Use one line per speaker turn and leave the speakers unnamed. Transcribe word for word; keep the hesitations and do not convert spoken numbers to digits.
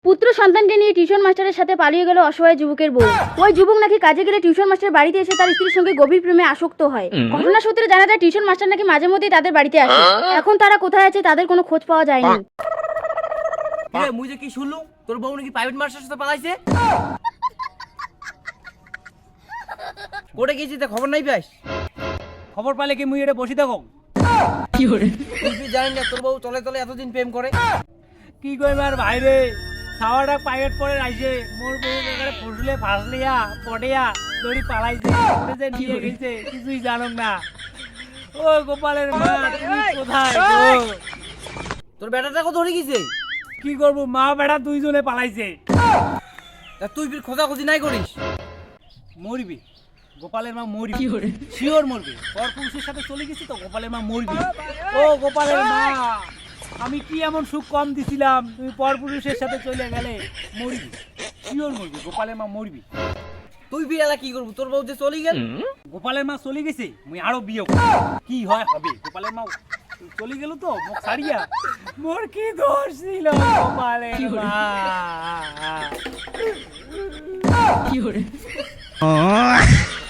পুত্র সন্তানকে নিয়ে টিউশন মাস্টারের সাথে পালিয়ে গেল অসহায় যুবকের বউ। ওই যুবক নাকি কাজে গেলে টিউশন মাস্টার বাড়িতে এসে তার স্ত্রীর সঙ্গে গভীর প্রেমে আসক্ত হয়। ঘটনা সূত্রে জানা যায় টিউশন মাস্টার নাকি মাঝে মধ্যেই তাদের বাড়িতে আসে। এখন তারা কোথায় আছে তাদের কোনো খোঁজ পাওয়া যায়নি।
এ মুই যে কি শুনলু তোর বউ নাকি প্রাইভেট মাস্টারের সাথে পালাইছে। কোটে গেছিস তা খবর নাই পাস?
খবর পালে কি মুই এটা বসি থাকো?
কি করে তুই জানেন না তোর বউ তলে তলে এতদিন প্রেম করে?
কি কইব আর ভাইরে, সাওয়াটা প্রাইভেট পড়ে আইছে, মোর বউ এখানে ফসলে ফাসলিয়া পড়িয়া দড়ি পালাইছে, ওরে যে নিয়ে গেছে কিছুই জানো না। ও গোপালের মা তুমি কোথায় গো?
তোর বেটাটাকে ধরে গেছে।
কি করব, মা বেটা দুইজনে পালাইছে।
তা তুই ফির খোঁজাখুঁজি নাই করিস?
মরবি, গোপালের মা মরবি, শিওর মরবি। পর পুরুষের সাথে চলে গেছি তো গোপালের মা মরবি। ও গোপালের মা, আমি কি এমন সুখ কম দিছিলাম, তুমি পর পুরুষের সাথে চলে গেলে? মরবি, শিওর মরবি, গোপালের মা মরবি।
তুই ফির এলা কি করবো? তোর বউ যে চলে গেল।
গোপালের মা চলে গেছে, মুই আরো বিয়ে করব। কি হয় হবে, গোপালের মা চলে গেল তো মুখ ছাড়িয়া। মোর কি দোষ ছিল গোপালের মা? কি করে